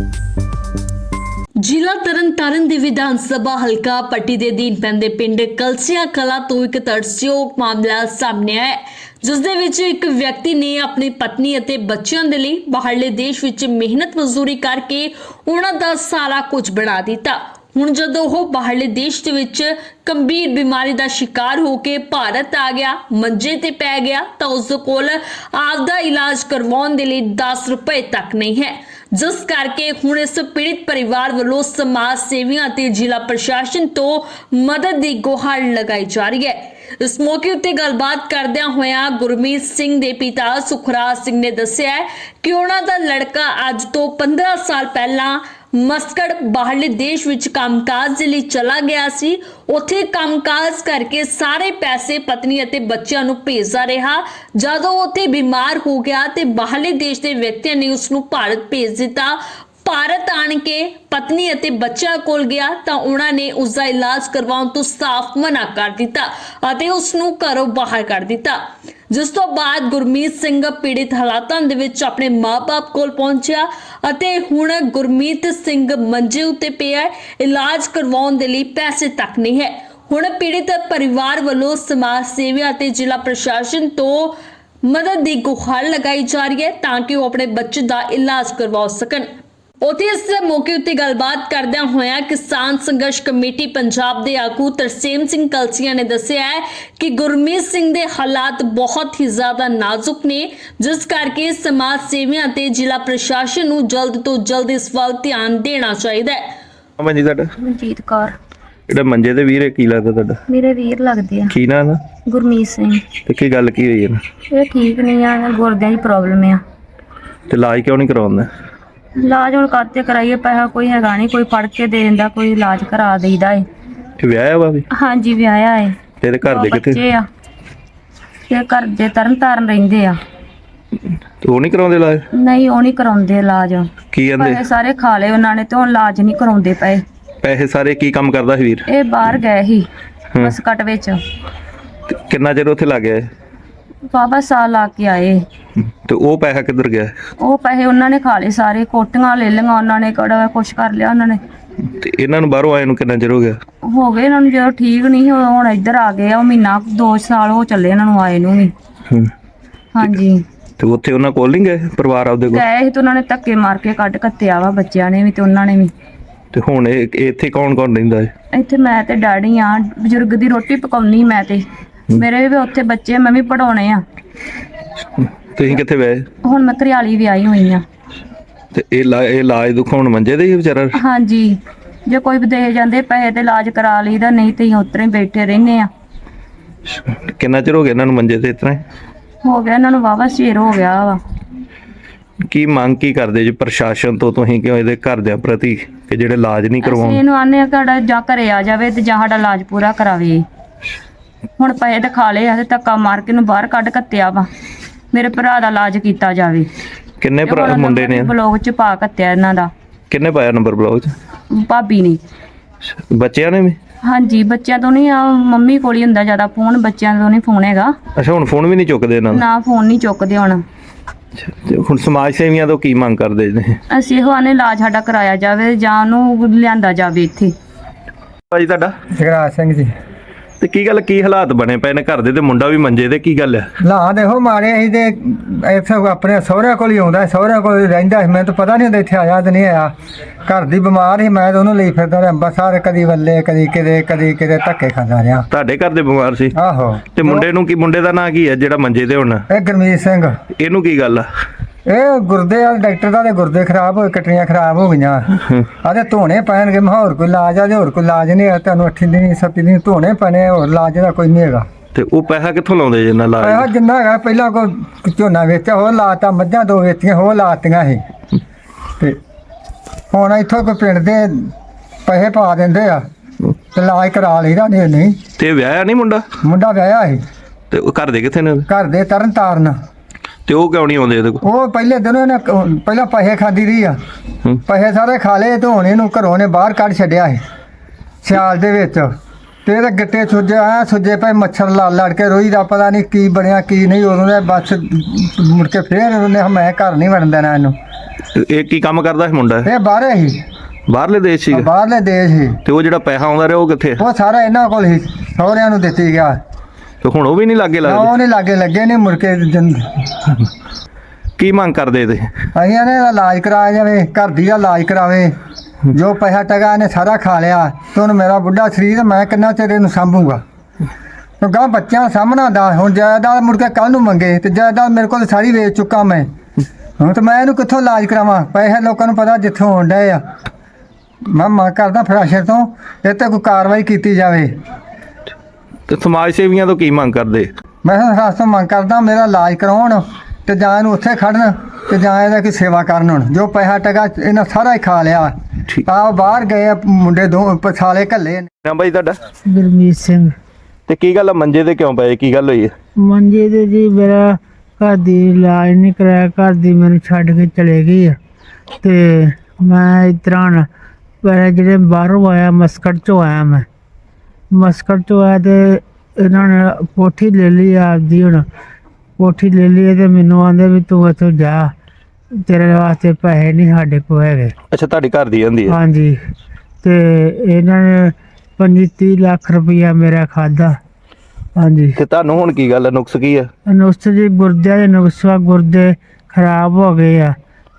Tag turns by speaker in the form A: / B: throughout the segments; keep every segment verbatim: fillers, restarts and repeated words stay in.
A: ਜ਼ਿਲ੍ਹਾ ਤਰਨਤਾਰਨ ਦੇ ਵਿਧਾਨ ਸਭਾ ਹਲਕਾ ਪੱਟੀ ਦੇ ਅਧੀਨ ਪੈਂਦੇ ਪਿੰਡ ਕਲਸੀਆਂ ਕਲਾਂ ਤੋਂ ਇੱਕ ਤਰਸਯੋਗ ਮਾਮਲਾ ਸਾਹਮਣੇ ਆਇਆ ਹੈ, ਜਿਸ ਦੇ ਵਿੱਚ ਇੱਕ ਵਿਅਕਤੀ ਨੇ ਆਪਣੀ ਪਤਨੀ ਅਤੇ ਬੱਚਿਆਂ ਦੇ ਲਈ ਬਾਹਰਲੇ ਦੇਸ਼ ਵਿੱਚ ਮਿਹਨਤ ਮਜ਼ਦੂਰੀ ਕਰਕੇ ਉਹਨਾਂ ਦਾ ਸਾਰਾ ਕੁਝ ਬਣਾ ਦਿੱਤਾ। ਹੁਣ ਜਦੋਂ ਉਹ ਬਾਹਰਲੇ ਦੇਸ਼ ਦੇ ਵਿੱਚ ਗੰਭੀਰ ਬਿਮਾਰੀ ਦਾ ਸ਼ਿਕਾਰ ਹੋ ਕੇ ਭਾਰਤ ਆ ਗਿਆ, ਮੰਜੇ ਤੇ ਪੈ ਗਿਆ, ਤਾਂ ਉਸ ਕੋਲ ਆਪਦਾ ਇਲਾਜ ਕਰਵਾਉਣ ਦੇ ਲਈ ਦਸ ਰੁਪਏ ਤੱਕ ਨਹੀਂ ਹੈ, ਜਿਸ ਕਰਕੇ ਹੁਣ ਇਸ ਪੀੜਿਤ ਪਰਿਵਾਰ ਵੱਲੋਂ ਸਮਾਜ ਸੇਵੀਆਂ ਅਤੇ ਜ਼ਿਲ੍ਹਾ ਪ੍ਰਸ਼ਾਸਨ ਤੋਂ ਮਦਦ ਦੀ ਗੁਹਾਰ ਲਗਾਈ ਜਾ ਰਹੀ ਹੈ। ਇਸ ਮੌਕੇ ਉੱਤੇ ਗੱਲਬਾਤ ਕਰਦਿਆਂ ਹੋਇਆਂ ਗੁਰਮੀਤ ਸਿੰਘ ਦੇ ਪਿਤਾ ਸੁਖਰਾਜ ਸਿੰਘ ਨੇ ਦੱਸਿਆ ਕਿ ਉਹਨਾਂ ਦਾ ਲੜਕਾ ਅੱਜ ਤੋਂ ਪੰਦਰਾਂ ਸਾਲ ਪਹਿਲਾਂ ਮਸਕਟ ਬਾਹਰਲੇ ਦੇਸ਼ ਵਿੱਚ ਕੰਮਕਾਜ ਦੇ ਲਈ ਚਲਾ ਗਿਆ ਸੀ। ਉੱਥੇ ਕੰਮਕਾਜ ਕਰਕੇ ਸਾਰੇ ਪੈਸੇ ਪਤਨੀ ਅਤੇ ਬੱਚਿਆਂ ਨੂੰ ਭੇਜਦਾ ਰਿਹਾ। ਜਦੋਂ ਉੱਥੇ ਬਿਮਾਰ ਹੋ ਗਿਆ ਤੇ ਬਾਹਰਲੇ ਦੇਸ਼ ਦੇ ਵਿਅਕਤੀਆਂ ਨੇ ਉਸ ਨੂੰ ਭਾਰਤ ਭੇਜ ਦਿੱਤਾ। ਭਾਰਤ ਆਣ ਕੇ ਪਤਨੀ ਅਤੇ ਬੱਚਿਆਂ ਕੋਲ ਗਿਆ ਤਾਂ ਉਹਨਾਂ ਨੇ ਉਸ ਦਾ ਇਲਾਜ ਕਰਵਾਉਣ ਤੋਂ ਸਾਫ਼ ਮਨਾ ਕਰ ਦਿੱਤਾ ਅਤੇ ਉਸ ਨੂੰ ਘਰੋਂ ਬਾਹਰ ਕਰ ਦਿੱਤਾ, ਜਿਸ ਤੋਂ ਬਾਅਦ ਗੁਰਮੀਤ ਸਿੰਘ ਪੀੜਿਤ ਹਾਲਾਤਾਂ ਦੇ ਵਿੱਚ ਆਪਣੇ ਮਾਪੇ ਕੋਲ ਪਹੁੰਚਿਆ ਅਤੇ ਹੁਣ ਗੁਰਮੀਤ ਸਿੰਘ ਮੰਜੇ ਉੱਤੇ ਪਿਆ, ਇਲਾਜ ਕਰਵਾਉਣ ਦੇ ਲਈ ਪੈਸੇ ਤੱਕ ਨਹੀਂ ਹੈ। ਹੁਣ ਪੀੜਿਤ ਪਰਿਵਾਰ ਵੱਲੋਂ ਸਮਾਜ ਸੇਵੀਆਂ ਅਤੇ ਜ਼ਿਲ੍ਹਾ ਪ੍ਰਸ਼ਾਸਨ ਤੋਂ ਮਦਦ ਦੀ ਗੁਹਾਰ ਲਗਾਈ ਜਾ ਰਹੀ ਹੈ ਤਾਂ ਕਿ ਉਹ ਆਪਣੇ ਬੱਚੇ ਦਾ ਇਲਾਜ ਕਰਵਾ ਸਕਣ। ਉੱਥੇ ਇਸ ਮੌਕੇ ਉੱਤੇ ਗੱਲਬਾਤ ਕਰਦਿਆਂ ਹੋਇਆਂ ਕਿਸਾਨ ਸੰਘਰਸ਼ ਕਮੇਟੀ ਪੰਜਾਬ ਦੇ ਆਗੂ ਤਰਸੇਮ ਸਿੰਘ ਕਲਸੀਆਂ ਨੇ ਦੱਸਿਆ ਹੈ ਕਿ ਗੁਰਮੀਤ ਸਿੰਘ ਦੇ ਹਾਲਾਤ ਬਹੁਤ ਹੀ ਜ਼ਿਆਦਾ ਨਾਜ਼ੁਕ ਨੇ, ਜਿਸ ਕਰਕੇ ਸਮਾਜ ਸੇਵੀਆਂ ਤੇ ਜ਼ਿਲ੍ਹਾ ਪ੍ਰਸ਼ਾਸਨ ਨੂੰ ਜਲਦ ਤੋਂ ਜਲਦ ਇਸ ਵੱਲ ਧਿਆਨ ਦੇਣਾ ਚਾਹੀਦਾ ਹੈ।
B: ਅਮਨ ਜੀ ਤੁਹਾਡਾ
C: ਮਨਜੀਤ ਕੌਰ।
B: ਜਿਹੜਾ ਮੰਜੇ ਤੇ ਵੀਰ ਕੀ ਲੱਗਦਾ ਤੁਹਾਡਾ?
C: ਮੇਰੇ ਵੀਰ ਲੱਗਦੇ ਆ।
B: ਕੀ ਨਾਂ ਨਾ?
C: ਗੁਰਮੀਤ ਸਿੰਘ।
B: ਤੇ ਕੀ ਗੱਲ ਕੀ ਹੋਈ ਹੈ?
C: ਇਹ ਠੀਕ ਨਹੀਂ ਆ, ਗੁਰਦਿਆਂ ਦੀ ਪ੍ਰੋਬਲਮ ਆ।
B: ਤੇ ਇਲਾਜ ਕਿਉਂ ਨਹੀਂ ਕਰਵਾਉਂਦਾ?
C: ਇਲਾਜ ਹੁਣ ਕਾਤੇ ਕਰਾਈਏ, ਪੈਸਾ ਕੋਈ ਹੈਗਾ ਨਹੀਂ, ਕੋਈ ਫੜ ਕੇ ਦੇ ਦਿੰਦਾ, ਕੋਈ ਇਲਾਜ ਕਰਾ ਦੇਈਦਾ ਏ।
B: ਇਹ ਵਿਆਹਿਆ ਵਾ ਵੀ?
C: ਹਾਂਜੀ ਵਿਆਹਿਆ ਏ।
B: ਤੇ ਇਹਦੇ ਘਰ ਦੇ
C: ਬੱਚੇ
B: ਕਿੱਥੇ?
C: ਆ ਤੇ ਘਰ ਦੇ ਤਰਨ ਤਾਰਨ ਰਹਿੰਦੇ ਆ।
B: ਤੇ ਉਹ ਨਹੀਂ ਕਰਾਉਂਦੇ ਇਲਾਜ?
C: ਨਹੀਂ ਉਹ ਨਹੀਂ ਕਰਾਉਂਦੇ ਇਲਾਜ।
B: ਕੀ ਕਹਿੰਦੇ?
C: ਪੈਸੇ ਸਾਰੇ ਖਾ ਲਏ ਉਹਨਾਂ ਨੇ ਤੇ ਹੁਣ ਇਲਾਜ ਨਹੀਂ ਕਰਾਉਂਦੇ ਪਏ।
B: ਪੈਸੇ ਸਾਰੇ ਕੀ ਕੰਮ ਕਰਦਾ ਸੀ ਵੀਰ?
C: ਇਹ ਬਾਹਰ ਗਏ ਸੀ
B: ਹਮ।
C: ਮਸਕਟ ਵਿੱਚ।
B: ਤੇ ਕਿੰਨਾ ਚਿਰ ਉੱਥੇ ਲੱਗ ਗਿਆ ਇਹ?
C: ਬਾਬਾ ਸਾਲ ਲਾ ਕੇ ਆਏ।
B: ਤੇ ਉਹ ਪੈਸਾ ਕਿੱਧਰ ਗਿਆ?
C: ਉਹ ਪੈਸੇ ਉਹਨਾਂ ਨੇ ਖਾ ਲਏ ਸਾਰੇ, ਕੋਟੀਆਂ ਲੈ ਲਈਆਂ ਉਹਨਾਂ ਨੇ, ਕਿਹੜਾ ਕੁਛ ਕਰ ਲਿਆ ਉਹਨਾਂ ਨੇ।
B: ਤੇ ਇਹਨਾਂ ਨੂੰ ਬਾਹਰੋਂ ਆਏ ਨੂੰ ਕਿੰਨਾ ਚਿਰ ਹੋ ਗਿਆ?
C: ਹੋ ਗਏ ਇਹਨਾਂ ਨੂੰ, ਜਦੋਂ ਠੀਕ ਨਹੀਂ ਉਹ ਹੁਣ ਇੱਧਰ ਆ ਗਏ ਆ। ਉਹ ਮਹੀਨਾ ਦੋ ਸਾਲ ਹੋ ਚੱਲੇ ਇਹਨਾਂ ਨੂੰ ਆਏ ਨੂੰ ਵੀ।
B: ਹੂੰ।
C: ਹਾਂਜੀ।
B: ਤੇ ਉੱਥੇ ਉਹਨਾਂ ਕੋਲ ਨਹੀਂ ਗਏ ਪਰਿਵਾਰ ਆਪਦੇ ਕੋਲ?
C: ਗਏ ਸੀ ਤੇ ਉਹਨਾਂ ਨੇ ਧੱਕੇ ਮਾਰ ਕੇ ਕੱਢ ਕੱਤਿਆ ਵਾ, ਬੱਚਿਆਂ ਨੇ ਵੀ ਤੇ ਉਹਨਾਂ ਨੇ ਵੀ।
B: ਤੇ ਹੁਣ ਇਹ ਇਹ ਇੱਥੇ ਕੌਣ ਕੌਣ ਰਹਿੰਦਾ ਹੈ?
C: ਇੱਥੇ ਮੈਂ ਤੇ ਡੈਡੀ ਆ, ਬਜ਼ੁਰਗ ਦੀ ਰੋਟੀ ਪਕਾਉਣੀ ਮੈਂ ਤੇ ਮੇਰੇ ਵੀ ਉੱਥੇ ਬੱਚੇ, ਮੈਂ ਵੀ ਪੜਾਉਣੇ ਆ।
B: ਤੁਸੀਂ ਕਿੱਥੇ ਵਏ?
C: ਹੁਣ ਮੈਂ ਘਰਿਆਲੀ ਵੀ ਆਈ ਹੋਈ ਆ।
B: ਤੇ ਇਹ ਲਾ- ਇਹ ਇਲਾਜ ਦੁਖਾਉਣ ਮੰਜੇ ਦੇ ਹੀ ਵਿਚਾਰਾ?
C: ਹਾਂਜੀ, ਜੇ ਕੋਈ ਵੀ ਦੇ ਜਾਂਦੇ ਪੈਸੇ ਤੇ ਇਲਾਜ ਕਰਾ ਲਈਦਾ, ਨਹੀਂ ਤੇ ਉਤਰੇ ਬੈਠੇ ਰਹਿੰਦੇ ਆ।
B: ਕਿੰਨਾ ਚਿਰ ਹੋ ਗਿਆ ਇਹਨਾਂ ਨੂੰ ਮੰਜੇ ਤੇ? ਇਸ ਤਰ੍ਹਾਂ ਹੀ
C: ਹੋ ਗਿਆ ਇਹਨਾਂ ਨੂੰ, ਵਾਵਾ ਚਿਰ ਹੋ ਗਿਆ ਵਾ।
B: ਕੀ ਮੰਗ ਕੀ ਕਰਦੇ ਜੀ ਪ੍ਰਸ਼ਾਸਨ ਤੋਂ ਤੁਸੀਂ, ਕਿਉਂ ਇਹਦੇ ਘਰਦਿਆਂ ਪ੍ਰਤੀ ਕਿ ਜਿਹੜੇ ਇਲਾਜ ਨਹੀਂ
C: ਅਸੀਂ
B: ਕਰਵਾਉਣ?
C: ਇਹਨੂੰ ਆਨੇ ਆ ਸਾਡਾ ਜਾਂ ਘਰੇ ਆ ਜਾਵੇ ਤੇ ਜਾਂ ਸਾਡਾ ਇਲਾਜ ਪੂਰਾ ਕਰਾਵੇ। ਹੁਣ ਪੈਸੇ ਤੇ ਖਾ ਲਏ ਆ ਤੇ ਧੱਕਾ ਮਾਰ ਕੇ ਨੂੰ ਬਾਹਰ ਕੱਢ ਕੱਤਿਆ ਵਾ। ਮੇਰੇ ਭਰਾ ਦਾ ਇਲਾਜ ਕੀਤਾ ਜਾਵੇ।
B: ਕਿੰਨੇ ਭਰਾ ਮੁੰਡੇ ਨੇ?
C: ਬਲੌਗ ਚ ਪਾ ਕੱਤਿਆ ਇਹਨਾਂ ਦਾ।
B: ਕਿੰਨੇ ਪਾਇਆ ਨੰਬਰ ਬਲੌਗ ਚ?
C: ਭਾਬੀ ਨੇ।
B: ਬੱਚਿਆਂ ਨੇ ਵੀ?
C: ਹਾਂਜੀ, ਬੱਚਿਆਂ ਤੋਂ ਨਹੀਂ, ਆ ਮੰਮੀ ਕੋਲ ਹੀ ਹੁੰਦਾ ਜ਼ਿਆਦਾ ਫੋਨ, ਬੱਚਿਆਂ ਤੋਂ ਨਹੀਂ ਫੋਨ ਹੈਗਾ।
B: ਅੱਛਾ, ਹੁਣ ਫੋਨ ਵੀ ਨਹੀਂ ਚੁੱਕਦੇ ਇਹਨਾਂ ਦਾ?
C: ਨਾ ਫੋਨ ਨਹੀਂ ਚੁੱਕਦੇ ਹੁਣ।
B: ਤੇ ਹੁਣ ਸਮਾਜ ਸੇਵੀਆਂ ਤੋਂ ਕੀ ਮੰਗ ਕਰਦੇ ਨੇ?
C: ਅਸੀਂ ਇਹੋ ਆਨੇ ਇਲਾਜ ਸਾਡਾ ਕਰਾਇਆ ਜਾਵੇ ਜਾਂ ਉਹਨੂੰ ਲਿਆਂਦਾ ਜਾਵੇ ਇੱਥੇ।
B: ਭਾਜੀ ਤੁਹਾਡਾ?
D: ਜਗਰਾਜ ਸਿੰਘ ਜੀ।
B: ਤੇ ਕੀ ਗੱਲ, ਕੀ ਹਾਲਾਤ ਬਣੇ ਪਏ ਨੇ ਘਰ ਦੇ? ਤੇ ਮੁੰਡਾ ਵੀ ਮੰਜੇ ਤੇ, ਕੀ ਗੱਲ ਹੈ?
D: ਲਾ ਦੇਖੋ ਮਾਰੇ ਅਸੀਂ ਤੇ ਇੱਥੇ ਆਪਣੇ ਸਹੁਰਿਆਂ ਕੋਲ ਹੀ ਆਉਂਦਾ, ਸਹੁਰਿਆਂ ਕੋਲ ਹੀ ਰਹਿੰਦਾ ਸੀ। ਮੈਨੂੰ ਤਾਂ ਪਤਾ ਨਹੀਂ ਹੁੰਦਾ ਇੱਥੇ ਆਇਆ ਤੇ ਨਹੀਂ ਆਇਆ। ਘਰ ਦੀ ਬਿਮਾਰ ਸੀ, ਮੈਂ ਤਾਂ ਉਹਨੂੰ ਲਈ ਫਿਰਦਾ ਰਿਹਾ ਅੰਬਰਸਰ, ਕਦੀ ਵੱਲੇ, ਕਦੀ ਕਿਤੇ ਕਦੀ ਕਿਤੇ ਧੱਕੇ ਖਾਂਦਾ ਰਿਹਾ।
B: ਤੁਹਾਡੇ ਘਰ ਦੇ ਬਿਮਾਰ ਸੀ?
D: ਆਹੋ।
B: ਤੇ ਮੁੰਡੇ ਨੂੰ ਕੀ, ਮੁੰਡੇ ਦਾ ਨਾਂ ਕੀ ਹੈ ਜਿਹੜਾ ਮੰਜੇ ਤੇ ਹੁਣ?
D: ਇਹ ਗੁਰਮੀਤ ਸਿੰਘ।
B: ਇਹਨੂੰ ਕੀ ਗੱਲ ਆ?
D: ਇਹ ਗੁਰਦੇ ਵਾਲੇ ਡਾਕਟਰ ਦਾ ਤੇ ਗੁਰਦੇ ਖਰਾਬ ਹੋਏ, ਕਟਰੀਆਂ ਖਰਾਬ ਹੋ ਗਈਆਂ। ਆਦੇ ਧੋਣੇ ਪੈਣਗੇ। ਮੈਂ ਹੋਰ ਕੋਈ ਇਲਾਜ ਆ? ਹੋਰ ਕੋਈ ਇਲਾਜ ਨਹੀਂ ਹੈ ਤੁਹਾਨੂੰ? ਅੱਠੀ ਦਿਨ ਸੱਤੀ ਦਿਨ ਧੋਣੇ ਪੈਣੇ, ਹੋਰ ਇਲਾਜ ਦਾ ਕੋਈ ਨਹੀਂ ਹੈਗਾ।
B: ਤੇ ਉਹ ਪੈਸਾ ਕਿੱਥੋਂ ਲਾਉਂਦੇ ਜਿੰਨਾ
D: ਆਹ
B: ਇਲਾਜ?
D: ਜਿੰਨਾ ਹੈਗਾ ਪਹਿਲਾਂ ਕੋਈ ਝੋਨਾ ਵੇਚਿਆ, ਹੋਰ ਲਾਤਾ, ਮੱਝਾਂ ਦੋ ਵੇਚੀਆਂ, ਹੋਰ ਲਾਤੀਆਂ ਸੀ। ਤੇ ਹੁਣ ਇੱਥੋਂ ਕੋਈ ਪਿੰਡ ਦੇ ਪੈਸੇ ਪਾ ਦਿੰਦੇ ਆ ਤੇ ਇਲਾਜ ਕਰਾ ਲਈਦਾ। ਨਹੀਂ ਨਹੀਂ
B: ਤੇ ਵਿਆਹਿਆ ਨਹੀਂ ਮੁੰਡਾ?
D: ਮੁੰਡਾ ਵਿਆਹਿਆ ਸੀ।
B: ਤੇ ਉਹ ਘਰ ਦੇ ਕਿੱਥੇ ਨੇ?
D: ਘਰ ਦੇ ਤਰਨ ਤਾਰਨ।
B: ਤੇ ਉਹ ਕਿਉਂ ਨਹੀਂ ਆਉਂਦੇ ਇਹਦੇ ਕੋਲ?
D: ਉਹ ਪਹਿਲੇ ਦਿਨ ਉਹਨੇ ਕ- ਪਹਿਲਾਂ ਪੈਸੇ ਖਾਂਦੀ ਰਹੀ ਆ।
B: ਹੂੰ।
D: ਪੈਸੇ ਸਾਰੇ ਖਾ ਲਏ ਤੇ ਹੁਣ ਇਹਨੂੰ ਘਰੋਂ ਨੇ ਬਾਹਰ ਕੱਢ ਛੱਡਿਆ ਸੀ ਸਿਆਲ ਦੇ ਵਿੱਚ। ਤੇ ਇਹਦੇ ਗਿੱਟੇ ਸੁੱਜੇ ਆ, ਸੁੱਜੇ ਪਏ, ਮੱਛਰ ਲੜ ਲੜ ਕੇ ਰੋਈ ਦਾ ਪਤਾ ਨਹੀਂ ਕੀ ਬਣਿਆ ਕੀ ਨਹੀਂ। ਉਦੋਂ ਦੇ ਬਸ ਮੁੜ ਕੇ ਫੇਰ ਉਹਨੇ ਮੈਂ ਘਰ ਨਹੀਂ ਵੜਨ ਦੇਣਾ ਇਹਨੂੰ।
B: ਇਹ ਕੀ ਕੰਮ ਕਰਦਾ ਸੀ ਮੁੰਡਾ?
D: ਇਹ ਬਾਹਰੇ ਹੀ,
B: ਬਾਹਰਲੇ ਦੇਸ਼ ਸੀਗਾ?
D: ਬਾਹਰਲੇ ਦੇਸ਼ ਹੀ।
B: ਤੇ ਉਹ ਜਿਹੜਾ ਪੈਸਾ ਆਉਂਦਾ ਰਿਹਾ ਉਹ ਕਿੱਥੇ?
D: ਉਹ ਸਾਰਾ ਇਹਨਾਂ ਕੋਲ ਹੀ, ਸਹੁਰਿਆਂ ਨੂੰ ਦਿੱਤੀ ਗਿਆ।
B: ਤੇ ਹੁਣ ਉਹ ਵੀ ਨਹੀਂ ਲਾਗੇ
D: ਨਾ
B: ਲੱਗਦੇ?
D: ਉਹ ਨਹੀਂ ਲਾਗੇ ਲੱਗੇ ਨਹੀਂ ਮੁੜ ਕੇ ਜਨ-
B: ਕੀ ਮੰਗ ਕਰਦੇ ਤੇ?
D: ਅਸੀਂ ਇਹਨੇ ਦਾ ਇਲਾਜ ਕਰਾਇਆ ਜਾਵੇ, ਘਰ ਦੀ ਦਾ ਇਲਾਜ ਕਰਾਵੇ। ਜੋ ਪੈਸਾ ਟਗਾ ਇਹਨੇ ਸਾਰਾ ਖਾ ਲਿਆ ਤੇ ਹੁਣ ਮੇਰਾ ਬੁੱਢਾ ਸਰੀਰ, ਮੈਂ ਕਿੰਨਾ ਚਿਰ ਇਹਨੂੰ ਸਾਂਭੂਗਾ? ਕਿਉਂਕਿ ਬੱਚਿਆਂ ਸਾਹਮਣਾ ਦਾ ਹੁਣ ਜਾਇਦਾਦ ਮੁੜ ਕੇ ਕੱਲ ਨੂੰ ਮੰਗੇ ਤੇ ਜਾਇਦਾਦ ਮੇਰੇ ਕੋਲ ਸਾਰੀ ਵੇਚ ਚੁੱਕਾ ਮੈਂ। ਹੁਣ ਤੇ ਮੈਂ ਇਹਨੂੰ ਕਿੱਥੋਂ ਇਲਾਜ ਕਰਾਵਾਂ? ਪੈਸੇ ਲੋਕਾਂ ਨੂੰ ਪਤਾ ਜਿੱਥੋਂ ਹੋਣ ਡਏ ਆ। ਮੈਂ ਮੰਗ ਕਰਦਾ ਪ੍ਰਸ਼ਾਸਨ ਤੋਂ ਇਹ ਤੇ ਕੋਈ ਕਾਰਵਾਈ ਕੀਤੀ ਜਾਵੇ।
B: ਤੇ ਸਮਾਜ ਸੇਵੀਆਂ ਤੋਂ ਕੀ ਮੰਗ ਕਰਦੇ?
D: ਮੈਂ ਪ੍ਰਸ਼ਾਸਨ ਤੋਂ ਮੰਗ ਕਰਦਾ ਮੇਰਾ ਇਲਾਜ ਕਰਾਉਣ ਤੇ ਜਾਂ ਇਹਨੂੰ ਉੱਥੇ ਖੜਨ ਤੇ ਜਾਂ ਇਹਦਾ ਕੋਈ ਸੇਵਾ ਕਰਨ। ਹੁਣ ਜੋ ਪੈਸਾ ਟਗਾ ਇਹਨਾਂ ਸਾਰਾ ਹੀ ਖਾ ਲਿਆ।
B: ਠੀਕ।
D: ਆ ਬਾਹਰ ਗਏ ਆ ਮੁੰਡੇ ਦੋ ਸਾਲੇ ਘੱਲੇ ਨੇ।
B: ਨਾ ਬਾਈ ਤੁਹਾਡਾ?
E: ਗੁਰਮੀਤ ਸਿੰਘ।
B: ਤੇ ਕੀ ਗੱਲ ਆ, ਮੰਜੇ ਤੇ ਕਿਉਂ ਪਏ? ਕੀ ਗੱਲ ਹੋਈ ਹੈ?
E: ਮੰਜੇ ਤੇ ਜੀ ਮੇਰਾ ਘਰ ਦੀ ਇਲਾਜ ਨਹੀਂ ਕਰਾਇਆ, ਘਰ ਦੀ ਮੈਨੂੰ ਛੱਡ ਕੇ ਚਲੇ ਗਈ ਆ ਤੇ ਮੈਂ ਇਸ ਤਰ੍ਹਾਂ ਪਰ ਜਿਹੜੇ ਬਾਹਰੋਂ ਆਇਆ, ਮਸਕਟ ਚੋਂ ਆਇਆ ਮੈਂ। ਮਸਕਟ ਚੋਂ ਆਇਆ ਤੇ ਇਹਨਾਂ ਨੇ ਕੋਠੀ ਲੈ ਲਈ ਆਪਦੀ। ਹੁਣ ਕੋਠੀ ਲੈ ਲਈ ਤੇ ਮੈਨੂੰ ਆਂਦੇ ਵੀ ਤੂੰ ਇੱਥੋਂ ਜਾ, ਤੇਰੇ ਵਾਸਤੇ ਪੈਸੇ ਨਹੀਂ ਸਾਡੇ ਕੋਲ ਹੈਗੇ।
B: ਅੱਛਾ, ਤੁਹਾਡੀ ਘਰ ਦੀ ਜਾਂਦੀ ਹੈ?
E: ਹਾਂਜੀ। ਤੇ ਇਹਨਾਂ ਨੇ ਪੰਜੀ ਤੀਹ ਲੱਖ ਰੁਪਈਆ ਮੇਰਾ ਖਾਦਾ। ਹਾਂਜੀ।
B: ਤੇ ਤੁਹਾਨੂੰ ਹੁਣ ਕੀ ਗੱਲ ਹੈ, ਨੁਕਸ ਕੀ ਹੈ?
E: ਨੁਕਸ ਜੀ ਗੁਰਦਿਆਂ ਦੇ ਨੁਕਸ ਵਾ, ਗੁਰਦੇ ਖਰਾਬ ਹੋ ਗਏ ਆ,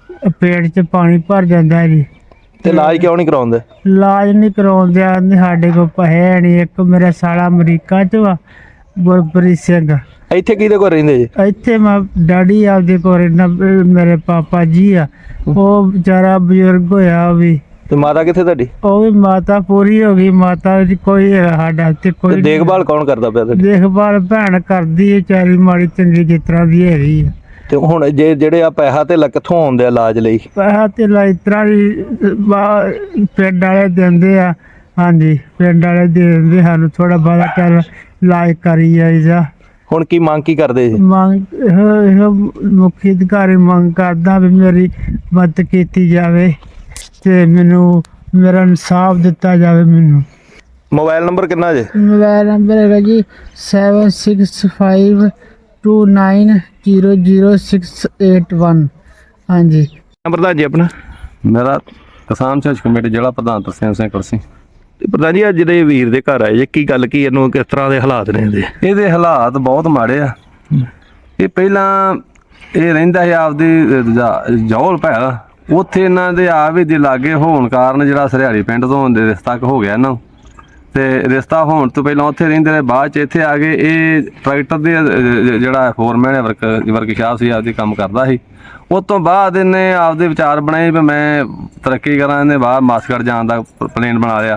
E: ਪੇਟ 'ਚ ਪਾਣੀ ਭਰ ਜਾਂਦਾ ਜੀ।
B: ਤੇ ਇਲਾਜ ਕਿਉਂ ਨਹੀਂ ਕਰਾਉਂਦੇ?
E: ਇਲਾਜ ਨਹੀਂ ਕਰਾਉਂਦੇ, ਆਂਦੇ ਸਾਡੇ ਕੋਲ ਪੈਸੇ ਨਹੀਂ। ਇੱਕ ਮੇਰਾ ਸਾਲਾ ਅਮਰੀਕਾ 'ਚ ਵਾ, ਗੁਰਪ੍ਰੀਤ ਸਿੰਘ।
B: ਇੱਥੇ ਕਿਹਦੇ ਕੋਲ ਰਹਿੰਦੇ ਜੀ?
E: ਇੱਥੇ ਮੈਂ ਡੈਡੀ ਆਪਦੇ ਕੋਲ ਰਹਿੰਦਾ, ਮੇਰੇ ਪਾਪਾ ਜੀ ਆ, ਉਹ ਵਿਚਾਰਾ ਬਜ਼ੁਰਗ ਹੋਇਆ ਉਹ ਵੀ।
B: ਤੇ ਮਾਤਾ ਕਿੱਥੇ ਤੁਹਾਡੀ?
E: ਉਹ ਵੀ ਮਾਤਾ ਪੂਰੀ ਹੋ ਗਈ, ਮਾਤਾ ਦੀ ਕੋਈ ਹੈਗਾ ਸਾਡਾ ਇੱਥੇ
B: ਤੇ
E: ਕੋਈ।
B: ਦੇਖਭਾਲ ਕੌਣ ਕਰਦਾ ਪਿਆ ਤੁਹਾਡੀ?
E: ਦੇਖਭਾਲ ਭੈਣ ਕਰਦੀ ਹੈ, ਚਾਰੀ ਮਾੜੀ ਚੰਗੀ ਜਿਸ ਤਰ੍ਹਾਂ ਦੀ ਹੈਗੀ ਆ।
B: ਤੇ ਹੁਣ ਜੇ ਜਿਹੜੇ ਆ ਪੈਸਾ ਤੇ ਕਿੱਥੋਂ ਆਉਂਦੇ ਆ ਇਲਾਜ ਲਈ?
E: ਪੈਸਾ ਤੇ ਇਸ ਤਰ੍ਹਾਂ ਹੀ ਬਾ- ਪਿੰਡ ਵਾਲੇ ਦਿੰਦੇ ਆ। ਹਾਂਜੀ, ਪਿੰਡ ਵਾਲੇ ਦੇ ਦਿੰਦੇ ਸਾਨੂੰ, ਥੋੜਾ ਬਹੁਤਾ ਚੱਲ ਇਲਾਜ ਕਰੀ ਜਾਈਦਾ।
B: ਹੁਣ ਕੀ ਮੰਗ ਕੀ ਕਰਦੇ ਜੀ?
E: ਮੰਗ ਇਹੋ ਇਹੋ ਮੁੱਖ ਅਧਿਕਾਰੀ ਮੰਗ ਕਰਦਾ ਵੀ ਮੇਰੀ ਮਦਦ ਕੀਤੀ ਜਾਵੇ ਤੇ ਮੈਨੂੰ ਮੇਰਾ ਇਨਸਾਫ ਦਿੱਤਾ ਜਾਵੇ। ਮੈਨੂੰ
B: ਮੋਬਾਈਲ ਨੰਬਰ ਕਿੰਨਾ ਜੇ?
E: ਮੋਬਾਈਲ ਨੰਬਰ ਹੈਗਾ ਜੀ seven six five two nine zero zero six eight one. ਹਾਂਜੀ।
B: ਨੰਬਰ ਦਾ ਜੀ ਆਪਣਾ?
F: ਮੇਰਾ ਕਿਸਾਨ ਸੰਘਰਸ਼ ਕਮੇਟੀ ਜ਼ਿਲ੍ਹਾ ਪ੍ਰਧਾਨ ਤਰਸੇਮ ਸਿੰਘ ਕੁਰਸੀ।
B: ਤੇ ਪ੍ਰਧਾਨ ਜੀ, ਅੱਜ ਦੇ ਵੀਰ ਦੇ ਘਰ ਆਏ ਜੇ, ਕੀ ਗੱਲ ਕੀ, ਇਹਨੂੰ ਕਿਸ ਤਰ੍ਹਾਂ ਦੇ ਹਾਲਾਤ ਨੇ ਇਹਦੇ?
F: ਇਹਦੇ ਹਾਲਾਤ ਬਹੁਤ ਮਾੜੇ ਆ। ਇਹ ਪਹਿਲਾਂ ਇਹ ਰਹਿੰਦਾ ਸੀ ਆਪਦੀ ਜੌਲ ਭੈਲ, ਉੱਥੇ ਇਹਨਾਂ ਦੇ ਆ ਵੀ ਦੇ ਲਾਗੇ ਹੋਣ ਕਾਰਨ ਜਿਹੜਾ ਸਰਿਆੜੀ ਪਿੰਡ ਤੋਂ ਦੇ ਰਿਸ਼ਤਾ ਹੋ ਗਿਆ ਇਹਨਾਂ ਨੂੰ। ਤੇ ਰਿਸ਼ਤਾ ਹੋਣ ਤੋਂ ਪਹਿਲਾਂ ਉੱਥੇ ਰਹਿੰਦੇ ਰਹੇ, ਬਾਅਦ ਚ ਇੱਥੇ ਆ ਗਏ। ਇਹ ਟਰੈਕਟਰ ਦੇ ਅਹ, ਜਿਹੜਾ ਫੋਰਮੈਨ ਵਰਕ ਵਰਕਸ਼ਾਪ ਸੀ, ਆਪਦੀ ਕੰਮ ਕਰਦਾ ਸੀ। ਉਸ ਤੋਂ ਬਾਅਦ ਇਹਨੇ ਆਪਦੇ ਵਿਚਾਰ ਬਣਾਏ ਵੀ ਮੈਂ ਤਰੱਕੀ ਕਰਾਂ। ਇਹਨੇ ਬਾਹਰ ਮਾਸਕਟ ਜਾਣ ਦਾ ਪਲੇਨ ਬਣਾ ਲਿਆ।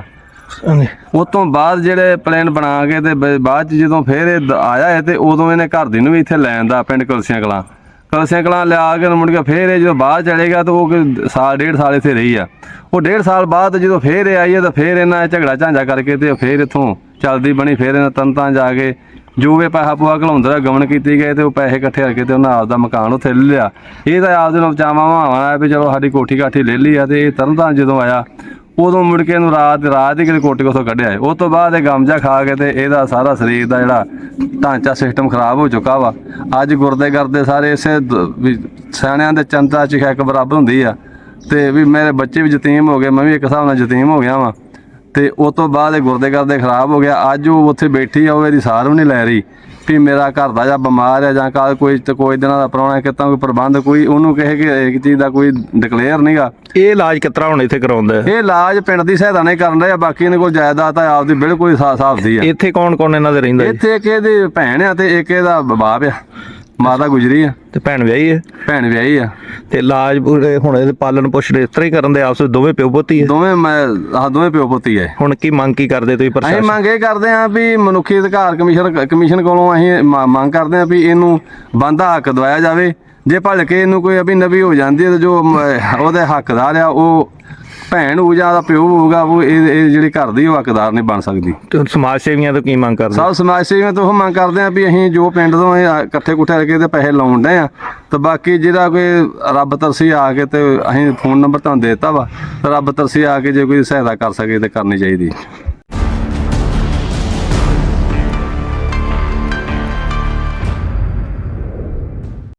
F: ਉਸ ਤੋਂ ਬਾਅਦ ਜਿਹੜੇ ਪਲਾਨ ਬਣਾ ਕੇ ਤੇ ਬ- ਬਾਅਦ ਚ ਜਦੋਂ ਫੇਰ ਇਹ ਦ- ਆਇਆ ਹੈ ਤੇ ਉਦੋਂ ਇਹਨੇ ਘਰ ਦੀ ਨੂੰ ਵੀ ਇੱਥੇ ਲੈਣ ਦਾ, ਪਿੰਡ ਕਲਸੀਆਂ ਕਲਾਂ ਕਲਸੀਆਂ ਕਲਾਂ ਲਿਆ ਕੇ ਮੁੜ ਕੇ ਫੇਰ ਇਹ ਜਦੋਂ ਬਾਹਰ ਚਲੇਗਾ ਤਾਂ ਉਹ ਕੋਈ ਸਾਲ ਡੇਢ ਸਾਲ ਇੱਥੇ ਰਹੀ ਆ। ਉਹ ਡੇਢ ਸਾਲ ਬਾਅਦ ਜਦੋਂ ਫੇਰ ਇਹ ਆਈ ਹੈ ਤਾਂ ਫੇਰ ਇਹਨਾਂ ਨੇ ਝਗੜਾ ਝਾਂਜਾ ਕਰਕੇ ਤੇ ਫੇਰ ਇੱਥੋਂ ਚੱਲਦੀ ਬਣੀ। ਫੇਰ ਇਹਨਾਂ ਤੰਤਾਂ ਜਾ ਕੇ ਜੋ ਵੀ ਪੈਸਾ ਪੂਆ ਘਲਾਉਂਦਾ ਰਿਹਾ, ਗਮਨ ਕੀਤੀ ਗਏ ਤੇ ਉਹ ਪੈਸੇ ਇਕੱਠੇ ਕਰਕੇ ਤੇ ਉਹਨਾਂ ਆਪਦਾ ਮਕਾਨ ਉੱਥੇ ਲੈ ਲਿਆ। ਇਹ ਤਾਂ ਆਪਦੇ ਨੂੰ ਬਚਾਵਾਂ ਮਾਵਾਂ ਆ ਵੀ ਚਲੋ ਸਾਡੀ ਕੋਠੀ ਕਾਠੀ ਲੈ ਲਈ ਆ। ਤੇ ਇਹ ਤਰਨਤਾਰਨ ਜਦੋਂ ਆਇਆ ਉਦੋਂ ਮੁੜ ਕੇ ਇਹਨੂੰ ਰਾਤ ਰਾਤ ਹੀ ਕਿਤੇ ਕੋਠੀ ਕੋਸੋਂ ਕੱਢਿਆ ਹੈ। ਉਸ ਤੋਂ ਬਾਅਦ ਇਹ ਗਮਜਾ ਖਾ ਕੇ ਤੇ ਇਹਦਾ ਸਾਰਾ ਸਰੀਰ ਦਾ ਜਿਹੜਾ ਢਾਂਚਾ ਸਿਸਟਮ ਖਰਾਬ ਹੋ ਚੁੱਕਾ ਵਾ। ਅੱਜ ਗੁਰਦੇ ਕਰਦੇ ਸਾਰੇ ਇਸੇ ਦ- ਵੀ ਸਿਆਣਿਆਂ ਦੇ ਚੰਤਾ ਚ ਇੱਕ ਬਰਾਬਰ ਹੁੰਦੀ ਆ। ਤੇ ਵੀ ਮੇਰੇ ਬੱਚੇ ਵੀ ਯਤੀਮ ਹੋ ਗਏ, ਮੈਂ ਵੀ ਇੱਕ ਹਿਸਾਬ ਨਾਲ ਯਤੀਮ ਹੋ ਗਿਆ ਵਾਂ। ਤੇ ਉਸ ਤੋਂ ਬਾਅਦ ਇਹ ਗੁਰਦੇ ਕਰਦੇ ਖਰਾਬ ਹੋ ਗਿਆ। ਅੱਜ ਉਹ ਉੱਥੇ ਬੈਠੀ ਆ, ਉਹ ਇਹਦੀ ਸਾਰ ਵੀ ਨਹੀਂ ਲੈ ਰਹੀ ਵੀ ਮੇਰਾ ਘਰ ਦਾ ਜਾਂ ਬਿਮਾਰ ਹੈ ਜਾਂ ਕੱਲ ਕੋਈ ਤੇ ਕੋਈ ਦਿਨਾਂ ਦਾ ਪ੍ਰਾਹੁਣਾ ਕਿਤਾ ਕੋਈ ਪ੍ਰਬੰਧ ਕੋਈ ਉਹਨੂੰ ਕਹੇ ਕਿ ਇੱਕ ਚੀਜ਼ ਦਾ ਕੋਈ ਡਿਕਲੇਅਰ ਨਹੀਂਗਾ।
B: ਇਹ ਇਲਾਜ ਕਿਸ ਤਰ੍ਹਾਂ ਹੁਣ ਇੱਥੇ ਕਰਾਉਂਦਾ ਹੈ?
F: ਇਹ ਇਲਾਜ ਪਿੰਡ ਦੀ ਸਹਾਇਤਾ ਨਹੀਂ ਕਰਨ ਰਿਹਾ। ਬਾਕੀ ਇਹਨਾਂ ਕੋਲ ਜਾਇਦਾਦ ਆ ਆਪਦੀ ਬਿਲਕੁਲ ਹਿਸਾਬ ਦੀ ਆ।
B: ਇੱਥੇ ਕੌਣ ਕੌਣ ਇਹਨਾਂ ਦੇ ਰਹਿੰਦਾ ਜੀ?
F: ਇੱਥੇ ਇੱਕ ਇਹਦੀ ਭੈਣ ਆ ਤੇ ਇੱਕ ਇਹਦਾ ਬਾਪ ਆ, ਮਾਤਾ ਗੁਜਰੀ ਆ,
B: ਤੇ ਭੈਣ ਵਿਆਹੀ ਹੈ?
F: ਭੈਣ ਵਿਆਹੀ ਆ।
B: ਤੇ ਇਲਾਜ ਪੂਰੇ ਹੁਣ ਇਹਦੇ ਪਾਲਣ ਪੋਸ਼ਣ ਇਸ ਤਰ੍ਹਾਂ ਹੀ ਕਰਨ ਦੇ ਆਪਸ ਵਿੱਚ ਦੋਵੇਂ ਪਿਓ ਪੁੱਤ ਹੀ ਹੈ?
F: ਦੋਵੇਂ ਮੈਂ ਆਹ ਦੋਵੇਂ ਪਿਓ ਪੁੱਤੀ ਆ।
B: ਹੁਣ ਕੀ ਮੰਗ ਕੀ ਕਰਦੇ ਤੁਸੀਂ
F: ਅਸੀਂ
B: ਪ੍ਰਸ਼ਾਸਨ?
F: ਮੰਗ ਇਹ ਕਰਦੇ ਹਾਂ ਵੀ ਮਨੁੱਖੀ ਅਧਿਕਾਰ ਕਮਿਸ਼ਨ ਕਮਿਸ਼ਨ ਕੋਲੋਂ ਅਸੀਂ ਮ- ਮੰਗ ਕਰਦੇ ਹਾਂ ਵੀ ਇਹਨੂੰ ਬਣਦਾ ਹੱਕ ਦਵਾਇਆ ਜਾਵੇ। ਜੇ ਭਲ ਕੇ ਇਹਨੂੰ ਕੋਈ ਅਭੀ ਨਵੀ ਹੋ ਜਾਂਦੀ ਹੈ ਤਾਂ ਜੋ ਮ- ਉਹਦੇ ਹੱਕਦਾਰ ਆ ਉਹ ਭੈਣ ਹੋਊ ਜਾਂ ਉਹਦਾ ਪਿਓ ਹੋਊਗਾ, ਉਹ ਇਹ ਇਹ ਜਿਹੜੀ ਘਰ ਦੀ ਉਹ ਹੱਕਦਾਰ ਨਹੀਂ ਬਣ ਸਕਦੀ।
B: ਤੇ ਸਮਾਜ ਸੇਵੀਆਂ ਤੋਂ ਕੀ ਮੰਗ ਕਰਦੇ?
F: ਸਭ ਸਮਾਜ ਸੇਵੀਆਂ ਤੋਂ ਉਹ ਮੰਗ ਕਰਦੇ ਆ ਵੀ ਅਸੀਂ ਜੋ ਪਿੰਡ ਤੋਂ ਇਹ ਇਕੱਠੇ ਕੁੱਠੇ ਕਰਕੇ ਤੇ ਪੈਸੇ ਲਾਉਣ ਡਏ ਆ ਤੇ ਬਾਕੀ ਜਿਹੜਾ ਕੋਈ ਰੱਬ ਤਰਸੀ ਆ ਕੇ ਤੇ ਅਸੀਂ ਫੋਨ ਨੰਬਰ ਤੁਹਾਨੂੰ ਦੇ ਦਿੱਤਾ ਵਾ, ਰੱਬ ਤਰਸੀ ਆ ਕੇ ਜੇ ਕੋਈ ਸਹਾਇਤਾ ਕਰ ਸਕੇ ਤੇ ਕਰਨੀ ਚਾਹੀਦੀ।